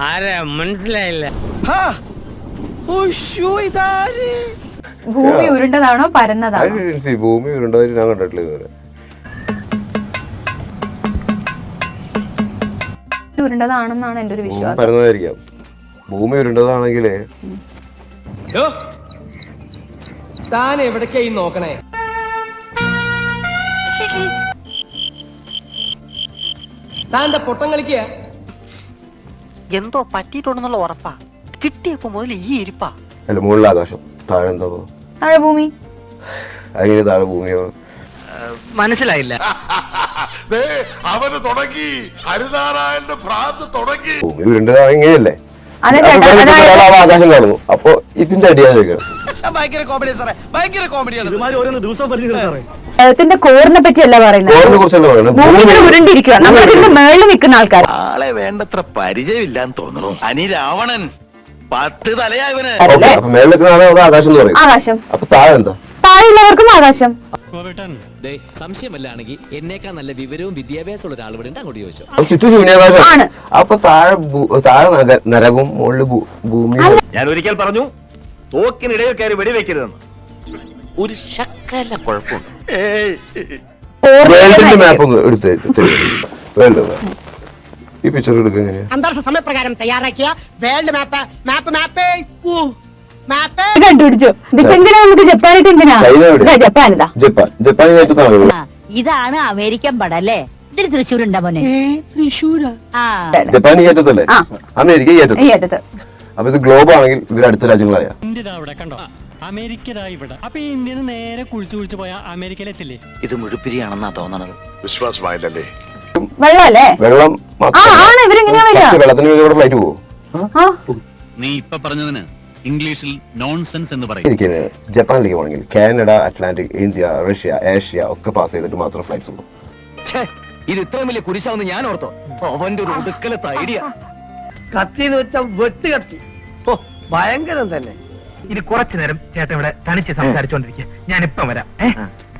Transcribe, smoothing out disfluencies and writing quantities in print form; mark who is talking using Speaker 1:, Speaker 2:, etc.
Speaker 1: ആരാ മനസ്സിലായില്ല.
Speaker 2: ഭൂമി ഉരുണ്ടതാണോ പരന്നതാണോ?
Speaker 3: ഭൂമി ഉരുണ്ടതായിട്ട് ഞാൻ കണ്ടിട്ടില്ല ഇതുവരെ.
Speaker 2: ഉരുണ്ടതാണെന്നാണ് എന്റെ ഒരു വിശ്വാസം.
Speaker 3: പരന്നതായിരിക്കാം. ഭൂമി ഉരുണ്ടതാണെങ്കിൽ
Speaker 4: താൻ എവിടേക്കായി നോക്കണേ? താൻ്റെ പൊട്ടം കളിക്കുക.
Speaker 5: എന്തോ പറ്റിയിട്ടുണ്ടെന്നുള്ള ഉറപ്പാ. കിട്ടിയപ്പോ മുതൽ ഈ ഇരിപ്പാ.
Speaker 3: അല്ല, മുകളിൽ ആകാശം, താഴെ എന്താ
Speaker 2: താഴെ ഭൂമി.
Speaker 3: അങ്ങനെ താഴെ ഭൂമിയോ?
Speaker 5: മനസ്സിലായില്ല.
Speaker 6: അവന് തുടങ്ങി, ഹരിനാരായണന്റെ ഭ്രാന്ത് തുടങ്ങി.
Speaker 3: ഭൂമി ഉരുണ്ടതാണ് ഇങ്ങനെയല്ലേ?
Speaker 2: അതെ ചേട്ടാ,
Speaker 3: ആകാശം കാണുന്നു. അപ്പൊ ഇതിന്റെ അടിയാതൊക്കെയാണ്.
Speaker 2: ത്തിന്റെ കോറിനെ പറ്റിയല്ല പറയുന്നത്,
Speaker 3: കോറിനെ കുറിച്ചല്ല പറയുന്നത്.
Speaker 2: ഭൂമി ഉരുണ്ടിരിക്കുക. നമ്മളിതിന്റെ മേളിൽ നിൽക്കുന്ന ആൾക്കാർ.
Speaker 6: ആളെ വേണ്ടത്ര പരിചയമില്ലാന്ന് തോന്നുന്നു. അനി രാവണൻ 10 തലയായവന്.
Speaker 3: അപ്പൊ മേളിൽ നിൽക്കുന്നതാണ് അവിടെ ആകാശം എന്ന് പറയും.
Speaker 2: ആകാശം.
Speaker 3: അപ്പൊ താഴെ എന്താ?
Speaker 2: താഴെയുള്ളവർക്കും ആകാശം.
Speaker 7: സംശയമല്ലാണെങ്കിൽ എന്നേക്കാൾ നല്ല വിവരവും വിദ്യാഭ്യാസമുള്ള ഒരാൾ ഇവിടെ അങ്ങോട്ട് ചോദിച്ചു.
Speaker 3: ചുറ്റും ശൂന്യാകാശം. അപ്പൊ താഴെ നരകവും മുകളിൽ ഭൂമി.
Speaker 6: ഞാൻ ഒരിക്കൽ പറഞ്ഞു, തോക്കിനിടയിൽ കയറി വെടിവെക്കരുതെന്ന്. ഒരു ശക്കല കുഴപ്പമുണ്ട്.
Speaker 3: വേൾഡിന്റെ മാപ്പ് ഒന്ന് എടുത്ത് വേൾഡ് ഈ പിക്ചർ എടുക്കുക എങ്ങനെയാ?
Speaker 8: അന്താരാഷ്ട്ര സമയപ്രകാരം തയ്യാറാക്കിയ വേൾഡ് മാപ്പ്
Speaker 2: കണ്ടുപിടിച്ചു. ഇതിപ്പോ എന്തിനാ നമുക്ക് ജപ്പാനായിട്ട്? എന്തിനാ ജപ്പാനിതാ?
Speaker 3: ജപ്പാൻ
Speaker 9: ഇതാണ് അമേരിക്കൻ പടം അല്ലേ? ഇതിന് തൃശ്ശൂരുണ്ടാ മോനെ?
Speaker 3: ജപ്പാൻ ഈ ഏറ്റത്തല്ലേ? അമേരിക്ക ഈ ഏറ്റത്ത്. അപ്പൊ ഇത് ഗ്ലോബ് ആണെങ്കിൽ ഇവർ അടുത്ത രാജ്യങ്ങളായ
Speaker 7: നേരെ കുഴിച്ചു പോയാൽ അമേരിക്കയിലെത്തില്ലേ?
Speaker 5: ഇത് മുഴുപ്പിരിയാണെന്നാ തോന്നണത്.
Speaker 6: വിശ്വാസമായില്ലേ?
Speaker 2: വെള്ളമല്ലേ?
Speaker 3: വെള്ളം വെള്ളത്തിന് ഇവിടെ ഫ്ലൈറ്റ് പോകും.
Speaker 7: നീ ഇപ്പൊ പറഞ്ഞതിന് ഇംഗ്ലീഷിൽ നോൺസെൻസ് എന്ന് പറയും.
Speaker 3: ജപ്പാനിലേക്ക് പോകണമെങ്കിൽ Canada, Atlantic, India, Russia, Asia ഒക്കെ പാസ് ചെയ്തിട്ട് മാത്രം ഫ്ലൈറ്റ്സ് ഉള്ളൂ.
Speaker 4: ഇത് ഇത്രയും വലിയ കുരിശാവുന്ന ഞാൻ ഓർത്തോ? അവന്റെ ഒരു ഒടുക്കലത്തെ ഐഡിയ. കത്തിന്ന് വെച്ച വെട്ട് കത്തി. ഭയങ്കരം തന്നെ.
Speaker 8: ഇനി കുറച്ചു നേരം ചേട്ടൻ ഇവിടെ തനിച്ച് സംസാരിച്ചോണ്ടിരിക്കുക. ഞാൻ ഇപ്പം വരാം.